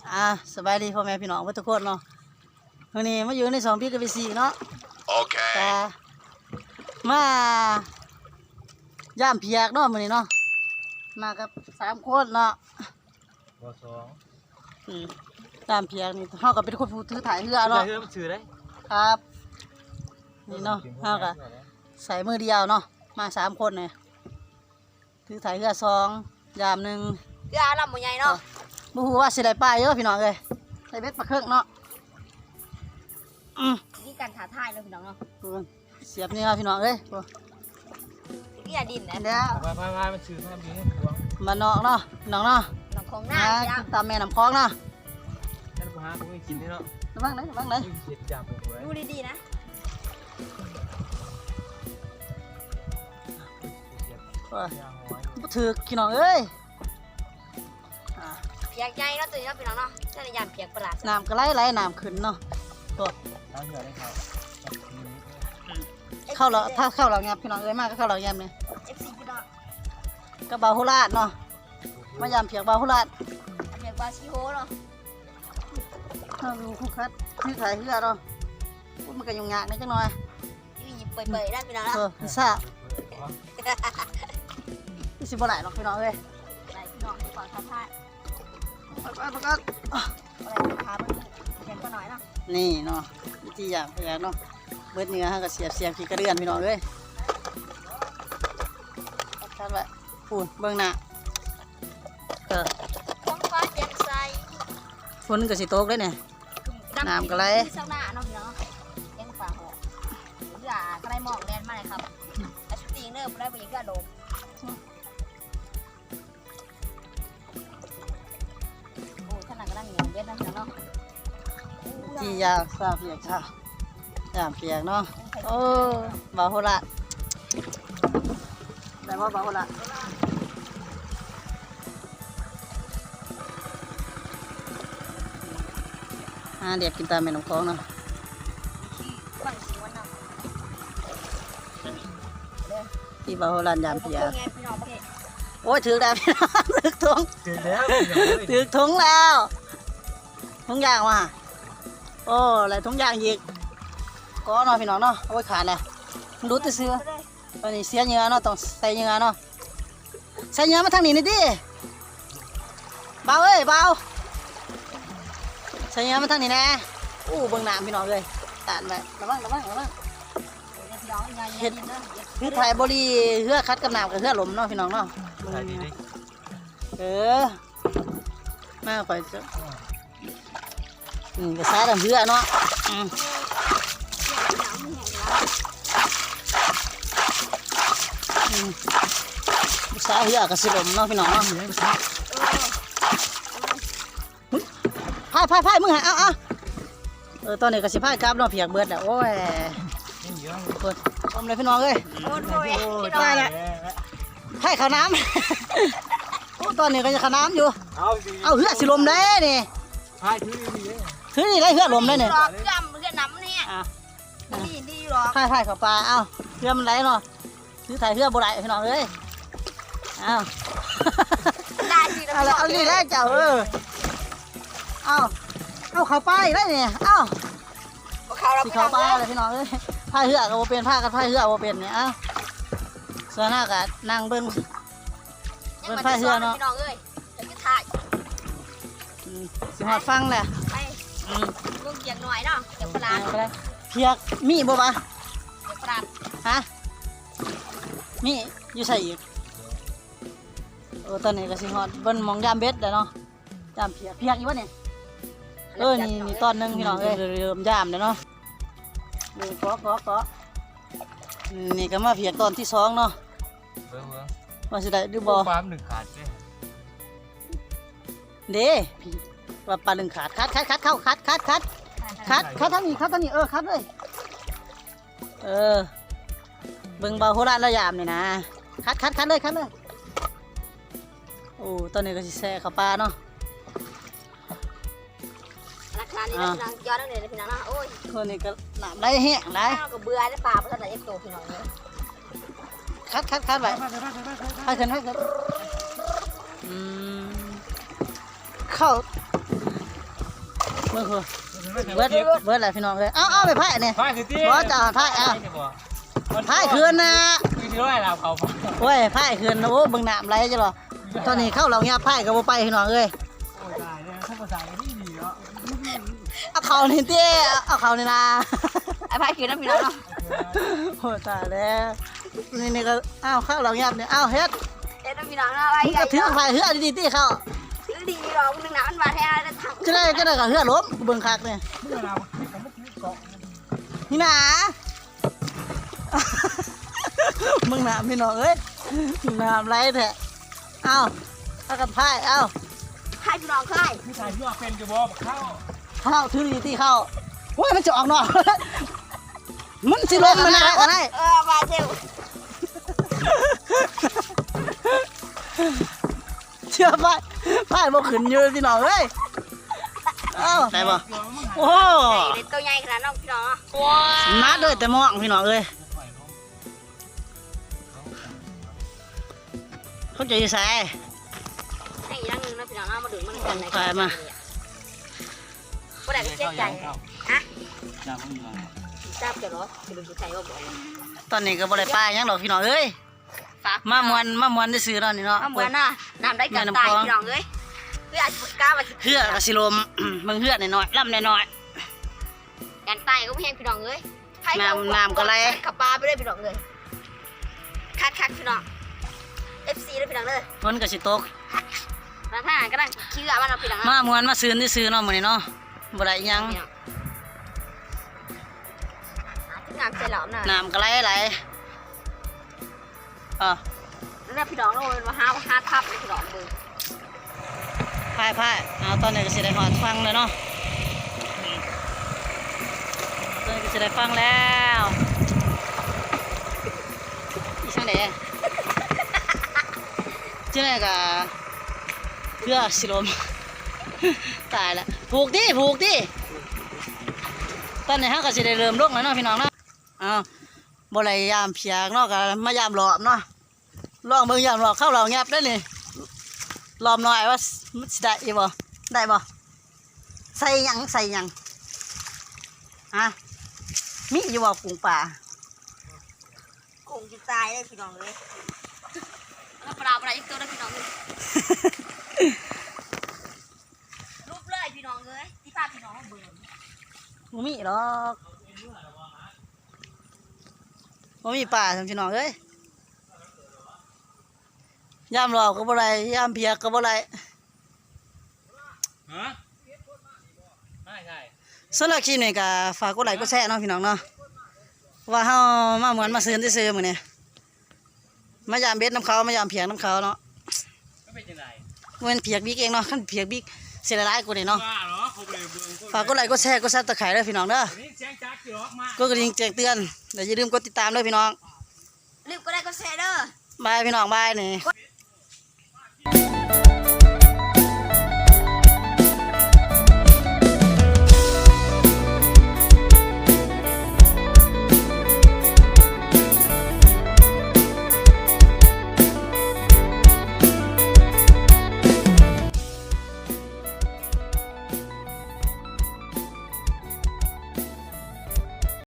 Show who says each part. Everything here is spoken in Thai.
Speaker 1: สบายดีพ่อแม่พี่น้องทุกคนเนาะวันนี้มาอยู่ใน2 พี่กับ4เนาะโอเคมาย่ามเพียกเนาะมื้อนี้เนาะมากับ3 คนเนาะ
Speaker 2: บ่
Speaker 1: ย่ามเพียกนี่เฮาก็เป็นคนผู้ถือถ่ายเรือเนาะ
Speaker 2: เรือมันถือได้
Speaker 1: ครับนี่เนาะเฮาก็ใส่มือเดียวเนาะมา3 คนเนี่ยถือถ่ายเรือ2ย่าม1เ
Speaker 3: รือลำบ่ใหญ่เนาะ
Speaker 1: บ่ฮู้ว่าสิได้ปลาเยอะพี่น้องเอ้ยใส่เบ็ดปลาเครื่องเนาะ
Speaker 3: นี่การท้าทายเลยพี่น้องเนาะ
Speaker 1: เสียบนี่ครับพี่น้องเอ้ย
Speaker 3: นี่อย่าดินนะ
Speaker 1: แล้ว
Speaker 2: พามันถือให้ดีให้พวง
Speaker 1: มานอกเนาะน้องเนาะ
Speaker 3: น้องของหน้า
Speaker 1: ตามแม่น้ำคลองเนาะ
Speaker 2: นั่นกูหาผมไม่กินนี่เนาะ
Speaker 1: ระวังเลย
Speaker 2: เสียจับผมไว้
Speaker 3: ดูดีๆนะ
Speaker 1: บ่ถือพี่น้องเอ้ย
Speaker 3: เปียกใหญ่เนาะตัวนี้เนาะพี่น้องเนาะนั่นยามเปียกประหลาด
Speaker 1: น้ำก็ไหลน้ำขึ้นเนาะตัวเข้าเราถ้าเข้าเราเงียบพี่น้องเอ้ยมากก็เข้าเราเงียบเนี่ย
Speaker 3: FC พี่น้อง
Speaker 1: ก็บาหุราดเนาะมายามเพียกบาหุราด
Speaker 3: เปียกบาชิโฮเนาะ
Speaker 1: ถ้าดูคู่คัดที่ขายเรือเนาะมันก็ยุ่งยากนิดจังหน่อย
Speaker 3: นี่เปื่อยๆได้พี่น้องเนาะ
Speaker 1: พิซซ่าที่สิบบ่ไหลหรอกพี่น้องเอ้ย
Speaker 3: ไหลพี่น้องขอท้าทาย
Speaker 1: ประกาศ
Speaker 3: อะไรพาไปเห็นก็หน่อยเนาะ
Speaker 1: นี่เนาะวิธีอย่างพยายามเนาะเบิดเนื้อก็เสียบขี้กระเดือนพี่น้องเอ้ยชัดไว้ปูนเบื้องหน้า
Speaker 3: ท้องฟ้าแจ่มใส
Speaker 1: ฝนก็สิตกเลยเนี่ยน้ำก็ไหล
Speaker 3: เช้าหน้าเนาะพี่น้องเลี้ยงปลาหัวเรือก็ได้หมอกแลนมาเลยครับไอ้ชุดตีเนอร์ได้ไปยิงกระโดดโอ้ขนาดก็ได้เหนียวเย็นนะพี่น้อง
Speaker 1: ที่ยาซาเปียกค่ะยามเปียกเนาะโอ้บาโหระได้ว่าบาโหระเดี๋ยวกินตามแม่น้ำคลองเนาะที่บาโหระยามเปียกโอ้ยถือแล้วพี่น้องถือถุงถือถุงแล้วถุงยางว่ะโอ้อะไรถุงยางยิกก็เนาะพี่น้องเนาะโอ้ยขาดเลยดูตัวเสือตอนนี้เสียเนื้อเนาะต้องใส่เนื้อเนาะใส่เนื้อมาทางนี้นี่ดิเบาเอ้ยเบาใส่เนื้อมาทางนี้แน่อู้เบิ่งน้ำพี่น้องเลยตานไประวังเห็ดคือถ่ายบริเหือคัดกับน้ำกับเหือลมเนาะพี่น้องเนาะมาไปเจ้ากระซ่าดำเหือเนาะสาเหือกระสิลมเนาะพี่น้องเนาะพายมึงหาเอาตอนนี้กระสิพายกราบเนาะเพียกเบิดแล้วโอ้ยเปิดอมเลยพี่น้องเอ้ยได้แล้วให้ข้าวน้ำโอ้ตอนนี้ก็จะข้าวน้ำอยู่เอาเหือสิลมได้นี่ถือนี่ได้เหือลมได้เนี่ย
Speaker 3: เรือน้ำเนี่ยดีหรอ
Speaker 1: พายข้าวปลาเอาเหือมันไหลเนาะถือถ่ายเหือบ่ได้พี่น้องเอ้ยเอาเอาดีแล้วเจ้าเอาข้าวปลาอีกแล้วเนี่ยเอาสิข้าวปลาเลยพี่น้องเอ้ยพายเหือกับโบเป็นพากันพายเหือโบเป็นเนี่ยเอาส่วนหน้ากับนั่งเบิ้งพายเหือเนาะ
Speaker 3: พี่น้องเอ้ยเดี๋ยวจะถ่าย
Speaker 1: สิหอดฟังแหละ
Speaker 3: ลูกเกียงหน่อยเนาะเกียงปลา
Speaker 1: เพียกมีบ่ปะ
Speaker 3: เกียงปลา
Speaker 1: ฮะมีอยู่ใส่อีกตอนนี้ก็สิหอดเบิ้งมองยามเบ็ดเลยเนาะยามเพียกอยู่วะเนี่ยนี่ตอนนึงพี่น้องเอ้ยเริ่มยามเลยเนาะนี่เกาะนี่ก็มาเพียกตอนที่2เนาะว่าสิได้ดูบ่
Speaker 2: ปลาหนึ่งขาด
Speaker 1: เด้ว่าปลาหนึ่งขาดคัดเข้าคัดทั้งนี้คัดเลยเบิ่งเบาโหราระยามนี่นะคัดเลยโอ้ตอนนี้ก็สิแซ่ข้าวปลาเนาะ
Speaker 3: ราคานี่นะพี่น้องย้อนเลยพี่น้องนะโอ้ย
Speaker 1: คนนี้ก็น้ำไหลแห้งไหล
Speaker 3: ก็เบื่อได้ปลาเพราะแต่เอฟโตพี่น้องเลย
Speaker 1: คัดไว้ให้ขึ้นเข้าเมื่อคืนเบิดอะไรพี่น้องเลยเอาไปไพ่เนี่ย
Speaker 2: พายคือที่
Speaker 1: บ่จ่าพายเอาไพ่คืนนะ
Speaker 2: คือที่ร้อยเราเขา
Speaker 1: โอ้ยไพ่คืนโอ้เบิ่งน้ำไหลจ้ะหรอตอนนี้เข้าเราเงียบไพ่ก็บ่ไปพี่น้องเอ้ย
Speaker 2: โอ้ยตายเลยถ้าภาษาไม่ดีเนาะ
Speaker 1: เอาเขานี่เต้เอาเขานี่นะ
Speaker 3: ไอ้พายคือน้ำพี่น้องเนาะ
Speaker 1: โอ้ตายแล้วนี่ก็อ้าวเข้าเราเงียบเนี่ยอ้าวเฮ็ด
Speaker 3: เอ็ดน้ำพี่น้องเนาะอะไร
Speaker 1: มึงก็ถือไพ่เฮือดีๆตีเข้า
Speaker 3: ซื้อดีหรอกนึงน้ำมันมาแท้แล้วถัง
Speaker 1: จะได้กับเฮือล้มกูเบิ่งคักเนี่ย
Speaker 2: เมื่อเราคิดกับเมื่อกี้เกาะ
Speaker 1: นี่นะ มึงน้ำพี่น้องเอ้ยน้ำไหลแท้เอ้าเอากับไพ่เอ้า
Speaker 3: ให้พี่น้องค่าย
Speaker 2: พี่ชายที่ว่าเป็นกระบอกเข้า
Speaker 1: เข้าถือดีๆตีเข้าโอ้ยมันจะออกนอก มันสิล้มมันได้ก็ได้
Speaker 3: มาเซล
Speaker 1: เชื่อไปไปบ่ขึ้นอยู่พี่น้องเอ้ยเอ้าได้บ่โอ้
Speaker 3: ในตัวใหญ่ขนาดน้องพี่น้อง
Speaker 1: นัดเลยแต่มองพี่น้องเอ้ยเขาจะอยู่ไส
Speaker 3: ให้อีกนึงนะพี่น้องมาดูมันกันไหน
Speaker 1: ไปมา
Speaker 3: บ่ได้เสียใจฮะ
Speaker 2: อย่าเพิ่งมา
Speaker 3: ทราบจะรอจะเป็นผู้ชายว่าบ่
Speaker 1: ตอนนี้ก็บ่ได้ป้าหยังดอกพี่น้องเอ้ย
Speaker 3: ฝาก
Speaker 1: มามวนได้ซื้อแล้วนี่เนาะ
Speaker 3: เหมือนน่ะน้ำได้กันตายพี่น้องเอ้ยเพื่ออาจจะกล้ามา
Speaker 1: เฮือกก็สิลม มึงเฮือกน้อยๆลำน้อย
Speaker 3: กันตายก็ไม่เห็นพี่น้องเอ้ยขับปลาไปเลยพี่น้องเลยคักพี่น้อง FC เลยพี่น้องเลย
Speaker 1: ๆฝนก็สิตก
Speaker 3: ร้านอาหารก็ได้คิวมันเอาพี่น้อง
Speaker 1: มามวนมาซื้อได้ซื้อเนาะมื้อนี้เนาะบ่ได้หยัง
Speaker 3: งามใจหลอมน่ะ
Speaker 1: น้ำก็ไหลอ่ะ
Speaker 3: แล้วพี่น้องเราเป็นว่าห้าทับเลยพี่น้องเบอร์
Speaker 1: พายเอาตอนนี้ก็สิได้ฮอดฟังเลยเนาะตอนนี้ก็สิได้ฟังแล้วอีช่างไหนจังได๋ก็เพื่อสิลม ตายแล้วผูกดิตอนนี้เฮาก็สิได้เริ่มลงแล้วเนาะพี่น้องเนาะอ้าวบ่ได้ยามเพียกเนาะก็มายามหลอมเนาะลองเบิ่งยามหลอมเข้าเราแงบได้นี่หลอมหน่อยว่ามันสิได้อีบ่ได้บ่ใส่หยังฮะมีอยู่บ่กุ้งป่า
Speaker 3: คงจะตายเลยพี่น้องเลยแล้วปลาอีกตัวนะพี่น้องเลยรูปเลยพี่น้องเลยที่พาพี่น้องเบอร์
Speaker 1: บ่มีหรอกบ่มีป่าทำพี่น้องเอ้ยยามหลอกก็บ่ได้ยามเพียกก็บ่ได้
Speaker 2: ฮะไม่ใช่
Speaker 1: สำหรับคลิปนี้ก็ฝากกดไลค์กดแชร์เนาะพี่น้องเนาะว่าเฮามาเหมือนมาซื้อซื้อมื้อนี้มายามเบ็ดน้ำเขามายามเพียกน้ำเขาเนาะ
Speaker 2: ก็เป็นยังไง
Speaker 1: บ่แม่นเพียกบิ๊กเองเนาะคันเพียกบิ๊กสิหลายๆกว่านี้เนาะ
Speaker 2: ว่าเหรอเขาไปเบิ่ง
Speaker 1: ฝากกดไลค์กดแชร์กดซับสไครต์ด้วยพี่น้องเด้อ
Speaker 2: นี่แจ้งจักกี่รอบมาก
Speaker 1: กดกระดิ่งแจ้งเตือนเดี๋ยวอย่าลืมกดติดตามด้วยพี่น้อง
Speaker 3: รีบก็ได้ก็แชร์เด้อบ
Speaker 1: ายพี่น้องบายนี่
Speaker 3: กด